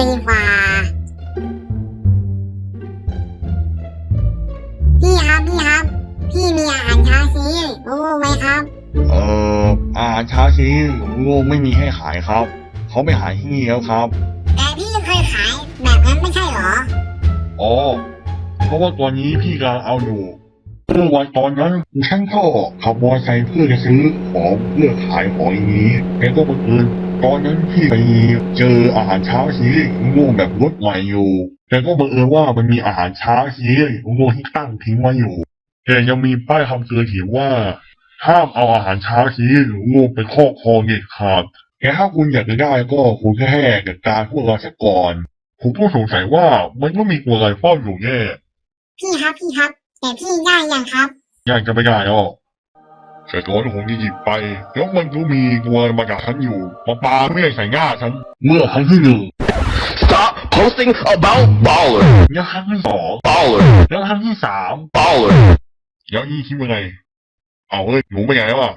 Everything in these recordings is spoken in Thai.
นกว่าพี่ครับพี่มีอาหารเช้าซีโอ้ไหมครับอาหารเช้าชีโง่ไม่มีให้ขายครับเขาไม่ขายที่นี่แล้วครับแต่พี่เคยขายแบบนั้นไม่ใช่หรออ๋อเพราะว่าตอนนี้พี่กำลังเอาอยู่เมื่อวันตอนนั้นฉันก็ขับมอเตอร์ไซค์เพื่อจะซื้อของเพื่อขายของอย่างนี้แต่ก็บังเอิญตอนนั้นพี่ไปเจออาหารเช้าชีโง่แบบรถใหม่อยู่แต่ก็บังเอิญว่ามันมีอาหารเช้าชีโง่ที่ตั้งทิ้งไว้อยู่แต่ยังมีป้ายคำเตือนเขียนว่าห้ามเอาอาหารเช้าชีโง่ไปครอบครองเด็ดขาดแต่ถ้าคุณอยากจะได้ก็คุณแค่จัดการพวกเราซะก่อนผมก็สงสัยว่ามันก็มีตัวอะไรเฝ้าอยู่แน่พี่ครับแต่พี่ได้ยังครับยังจะไม่ได้หรอกแต่ตอนผมจะหยิบไปแล้วมันก็มีตัวมาจากฉันอยู่มาปาไม่ใส่หน้าฉันเมื่อครั้งที่หนึ่ง Stop posting about baller. แล้วครั้งที่สอง Baller. แล้วครั้งที่สาม Baller. แล้วนี่คิดว่าไงเอาเฮ้ยหนูไปไหนวะ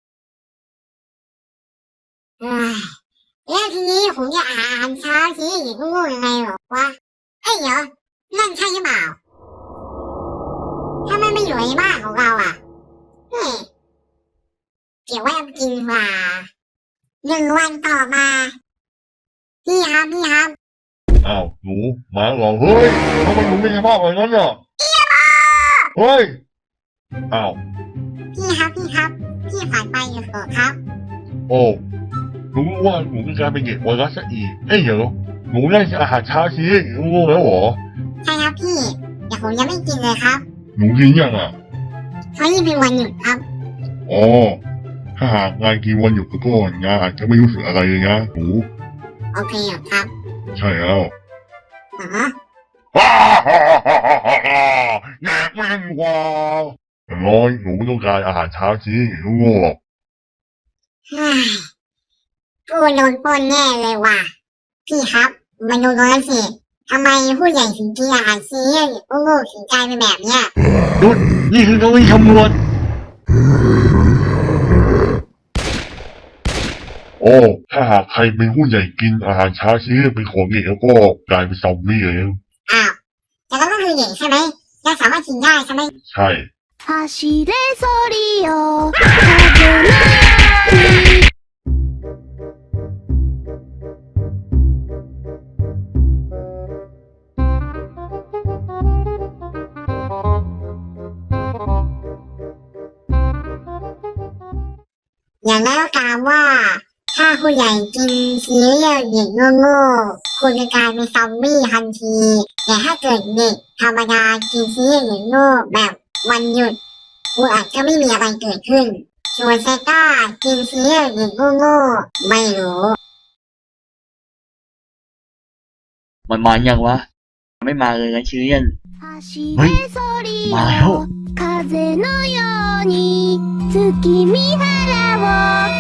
เอ้ยแล้วทีนี้ผมจะอาหารเช้าซีอีกโง่ยังไงหรอวะเอ้ยเดี๋ยวนั่นใช่หรือเปล่าถ้ามันไม่อยู่ในบ้านของเราอ่ะเฮ้ยเก็บไว้เอากินดีกว่า1 วันต่อมาพี่ครับอ้าวหนูมาเหรอเฮ้ยทำไมหนูไม่ใช่ภาพแบบนั้นอ่ะเฮ้ยอ้าวพี่ครับพี่ฝันไปอยู่เหรอครับโอ้หนูรู้ว่าหนูมีการเป็นเด็กไวรัสซะอีกเอ้ยเดี๋ยวหนูได้อาหารเช้าชีหนูรู้แล้วเหรอใช่ครับพี่เดี๋ยวผมยังไม่กินเลยครับหนูกินยังอ่ะเพราะนี่เป็นวันหยุดครับอ๋อถ้าหากงานกินวันหยุดก็งานอาจจะไม่รู้สึกอะไรเลยนะหนูโอเคครับใช่แล้วอ๋อแหนกแม่งว่าอย่างน้อยหนูไม่ต้องการอาหารเช้าชีหนูโง่หรอกกูโดนปล้นแน่เลยว่ะพี่ครับมาดูตรงนั้นสิทำไมผู้ใหญ่ถึงกินอาหารซีโอ้โหถึงกลายเป็นแบบเนี้ยหยุดนี่คือการขโมยโอ้ถ้าหากใครเป็นผู้ใหญ่กินอาหารเช้าชีเป็นของเด็กแล้วก็กลายเป็นซอมบี้เลยอ้าวแต่ก็คือเด็กใช่ไหมยังสามารถกินได้ใช่ไหมใช่走れソリよ風のอย่างแล้วกล่าวว่าถ้าผู้ใหญ่กินซีเรียลเด็กโง่ๆคุณจะกลายเป็นซอมบี้ทันทีแต่ถ้าเกิดเด็กธรรมดากินซีเรียลเด็กโง่แบบวันหยุดคุณอาจจะไม่มีอะไรเกิดขึ้นส่วนเซต้ากินซีเรียลเด็กโง่ๆไม่รู้มันมาอย่างวะไม่มาเลยนะชิเลียนเฮ้ยมาแล้ว風のように月見原を